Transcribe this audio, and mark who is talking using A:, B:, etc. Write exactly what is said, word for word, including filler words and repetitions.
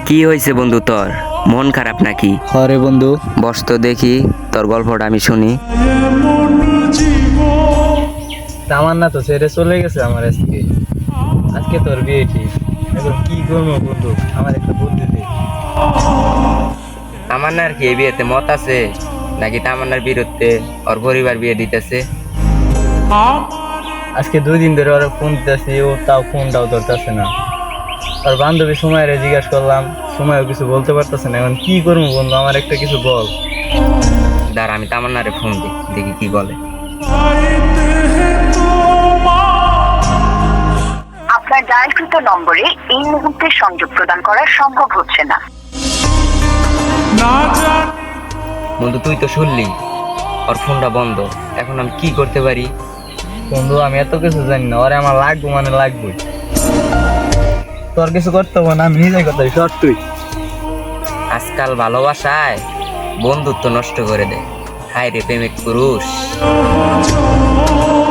A: কি হয়েছে বন্ধু, তোর মন খারাপ নাকি?
B: হরে বন্ধু।
A: বস তো দেখি, তোর গল্পটা আমি শুনি।
B: তামান্না তো ছেড়ে চলে গেছে আমার আজকে আজকে তোর বিয়ে ঠিক। এখন কি করবো বন্ধু, আমার একটা বুদ্ধি দে।
A: তামান্নার কি এই বিয়েতে মত আছে নাকি তামান্নার বিরুদ্ধে ওর পরিবার বিয়ে দিতেছে?
B: আজকে দুই দিন ধরে ওরা ফোন দিতেছি, ও তাও ফোনটাও ধরতেছে না। আর বান্ধবী সময়ের জিজ্ঞাসা করলাম, সময়ও কিছু বলতে পারতেছে না। এখন কি করবো বন্ধু, আমার একটা কিছু বল।
A: দাঁড়া, আমি তামান্নারে ফোন দিই, দেখি কি বলে।
C: আপনার ডায়ালকৃত নম্বরে এই মুহূর্তে সংযোগ প্রদান করা সম্ভব হচ্ছে না।
A: বন্ধু, তুই তো শুনলি ওর ফোনটা বন্ধ। এখন আমি কি করতে পারি?
B: বন্ধু আমি এত কিছু জানি না, ওরে আমার লাগবো মানে লাগবে। তোর কিছু করতে হবে না, আমি নিজে করতে সর তুই।
A: আজকাল ভালোবাসায় বন্ধুত্ব নষ্ট করে দেয়। হায় রে প্রেমিক পুরুষ।